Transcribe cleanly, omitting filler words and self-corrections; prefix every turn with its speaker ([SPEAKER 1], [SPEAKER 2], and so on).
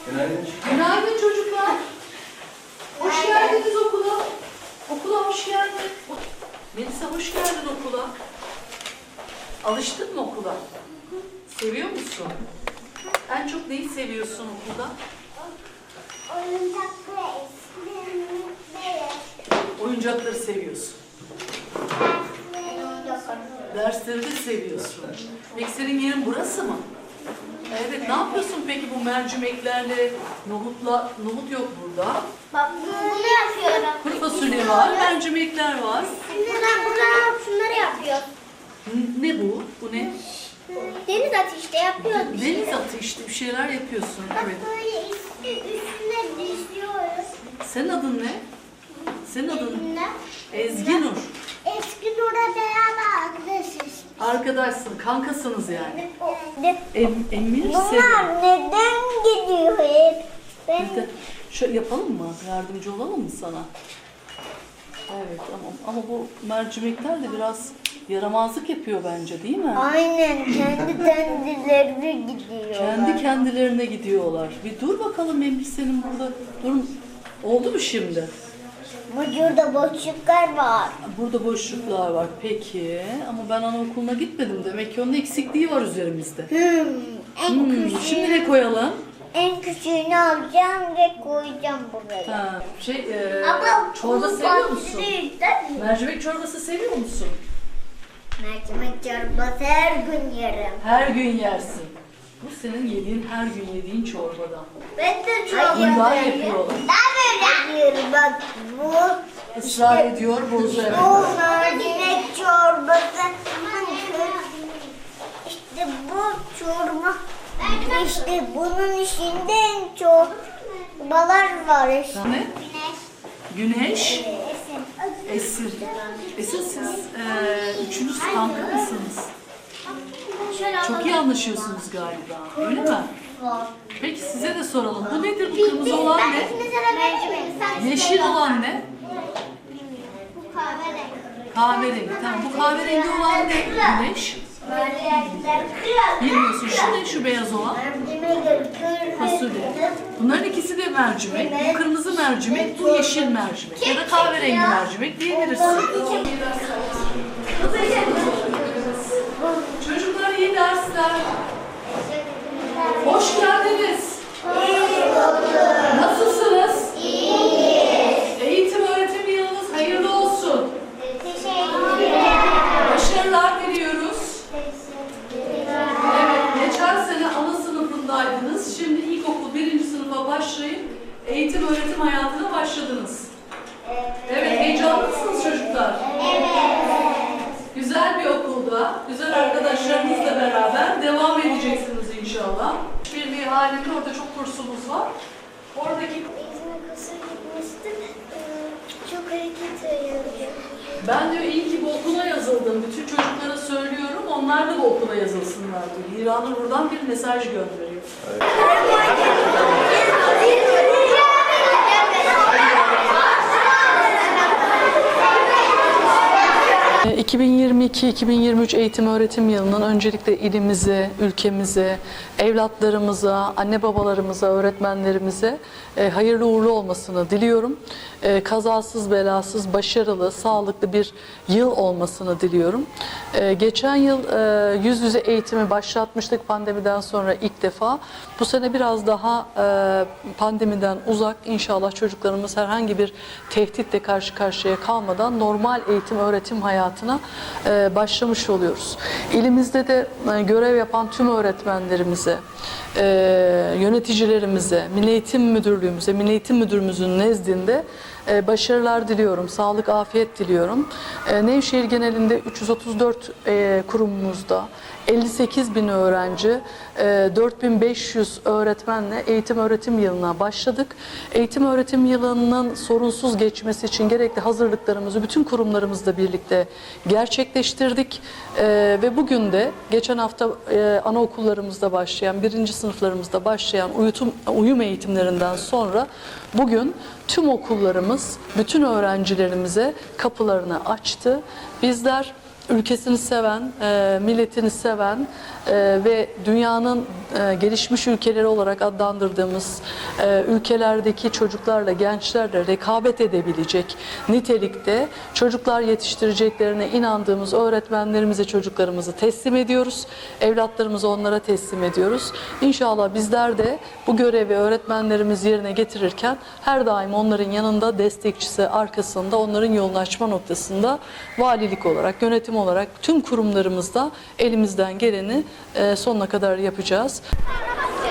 [SPEAKER 1] Günaydın.
[SPEAKER 2] Günaydın çocuklar. Hoş geldiniz okula. Okula hoş geldin. Melisa hoş geldin okula. Alıştın mı okula? Seviyor musun? En çok neyi seviyorsun okulda? Oyuncakları seviyorsun. Dersleri de seviyorsun. Peki senin yerin burası mı? Evet, ne yapıyorsun peki bu mercimeklerle? Nohut yok burada.
[SPEAKER 3] Bak bunu yapıyorum.
[SPEAKER 2] Kuru fasulye var, mercimekler var.
[SPEAKER 3] Şunları yapıyor.
[SPEAKER 2] Ne bu? Bu ne?
[SPEAKER 3] Deniz ateşte yapıyoruz.
[SPEAKER 2] Deniz atı işte, bir şeyler yapıyorsun.
[SPEAKER 3] Bak
[SPEAKER 2] Evet.
[SPEAKER 3] böyle üstüne diziyoruz.
[SPEAKER 2] Senin adın ne? Senin adın?
[SPEAKER 3] Üstüne.
[SPEAKER 2] Ezgi Nur.
[SPEAKER 3] Eski Nur'a beraber arkadaşız.
[SPEAKER 2] Arkadaşsın, kankasınız yani.
[SPEAKER 3] Evet.
[SPEAKER 2] Emir senin.
[SPEAKER 3] Bunlar neden gidiyor hep?
[SPEAKER 2] Neden? Şöyle yapalım mı? Yardımcı olalım mı sana? Evet, ama bu mercimekler de biraz yaramazlık yapıyor bence, değil mi?
[SPEAKER 3] Aynen kendi kendilerine gidiyor.
[SPEAKER 2] Kendi kendilerine gidiyorlar. Bir dur bakalım Emir senin burada. Dur. Oldu mu şimdi?
[SPEAKER 3] Burada boşluklar var.
[SPEAKER 2] Burada boşluklar var. Peki. Ama ben anaokuluna gitmedim. Demek ki onun eksikliği var üzerimizde.
[SPEAKER 3] En küçüğü.
[SPEAKER 2] Şimdi ne koyalım?
[SPEAKER 3] En küçüğünü alacağım ve koyacağım buraya.
[SPEAKER 2] Ha,
[SPEAKER 3] Ama
[SPEAKER 2] çorba
[SPEAKER 3] bu
[SPEAKER 2] seviyor musun?
[SPEAKER 3] farklı değil, değil mi?
[SPEAKER 2] Mercimek çorbası seviyor musun?
[SPEAKER 3] Mercimek çorbası her gün yerim.
[SPEAKER 2] Her gün yersin. Bu senin yediğin, her gün yediğin çorbadan.
[SPEAKER 3] Ben de çorba
[SPEAKER 2] Bunlar
[SPEAKER 3] yerim.
[SPEAKER 2] yapıyorlar.
[SPEAKER 3] Hayır bak bu
[SPEAKER 2] Israr ediyor, bozuyor.
[SPEAKER 3] bu mercimek çorbası. İşte bu çorba. İşte bunun içinde en çok çorbalar var.
[SPEAKER 2] Ne? Güneş,
[SPEAKER 3] Esin.
[SPEAKER 2] Esir. Esir siz üçünüz kanka mısınız? Çok iyi anlaşıyorsunuz galiba, öyle mi? Peki size de soralım. Bu nedir? Bu kırmızı olan ne? Yeşil olan ne?
[SPEAKER 3] Bu kahverengi.
[SPEAKER 2] Kahverengi. Tamam. Bu kahverengi olan ne? Güneş. Bilmiyorsun. Şu ne? Şu beyaz olan? Fasulye. Bunların ikisi de mercimek. Bu kırmızı mercimek, bu yeşil mercimek. Ya da kahverengi mercimek diyebilirsin. Çocuklar iyi dersler. Hoş geldiniz. Nasılsınız? Eğitim öğretim yılınız hayırlı olsun. Başarılar diliyoruz. Evet, geçen sene ana sınıfındaydınız. Şimdi ilkokul 1. sınıfa başlayıp eğitim öğretim hayatına başladınız. Evet, heyecanlı mısınız çocuklar? Güzel bir okulda, güzel arkadaşlarınızla beraber devam edeceksiniz inşallah. Birliği halinde orada çok kursumuz var. Oradaki
[SPEAKER 3] İzmir kursa gitmiştim. Çok hareket ediyorum.
[SPEAKER 2] ben diyor iyi ki bu okula yazıldım. Bütün çocuklara söylüyorum. Onlar da bu okula yazılsınlar diyor. Hira'nın buradan bir mesaj gönderiyor. 2022-2023 eğitim öğretim yılının öncelikle ilimize, ülkemize, evlatlarımıza, anne babalarımıza, öğretmenlerimize hayırlı uğurlu olmasını diliyorum. Kazasız, belasız, başarılı, sağlıklı bir yıl olmasını diliyorum. Geçen yıl yüz yüze eğitimi başlatmıştık pandemiden sonra ilk defa. Bu sene biraz daha pandemiden uzak, inşallah çocuklarımız herhangi bir tehditle karşı karşıya kalmadan normal eğitim öğretim hayatına başlamış oluyoruz. İlimizde de görev yapan tüm öğretmenlerimize, yöneticilerimize, Milli Eğitim Müdürlüğümüze, Milli Eğitim Müdürümüzün nezdinde başarılar diliyorum, sağlık, afiyet diliyorum. Nevşehir genelinde 334 kurumumuzda 58.000 öğrenci, 4.500 öğretmenle eğitim öğretim yılına başladık. Eğitim öğretim yılının sorunsuz geçmesi için gerekli hazırlıklarımızı bütün kurumlarımızla birlikte gerçekleştirdik. Ve bugün de geçen hafta anaokullarımızda başlayan, 1. sınıflarımızda başlayan uyum eğitimlerinden sonra bugün tüm okullarımız bütün öğrencilerimize kapılarını açtı. Bizler ülkesini seven, milletini seven ve dünyanın gelişmiş ülkeleri olarak adlandırdığımız ülkelerdeki çocuklarla, gençlerle rekabet edebilecek nitelikte çocuklar yetiştireceklerine inandığımız öğretmenlerimize çocuklarımızı teslim ediyoruz. Evlatlarımızı onlara teslim ediyoruz. İnşallah bizler de bu görevi öğretmenlerimiz yerine getirirken her daim onların yanında, destekçisi, arkasında, onların yolunu açma noktasında valilik olarak, yönetim olarak tüm kurumlarımızda elimizden geleni sonuna kadar yapacağız.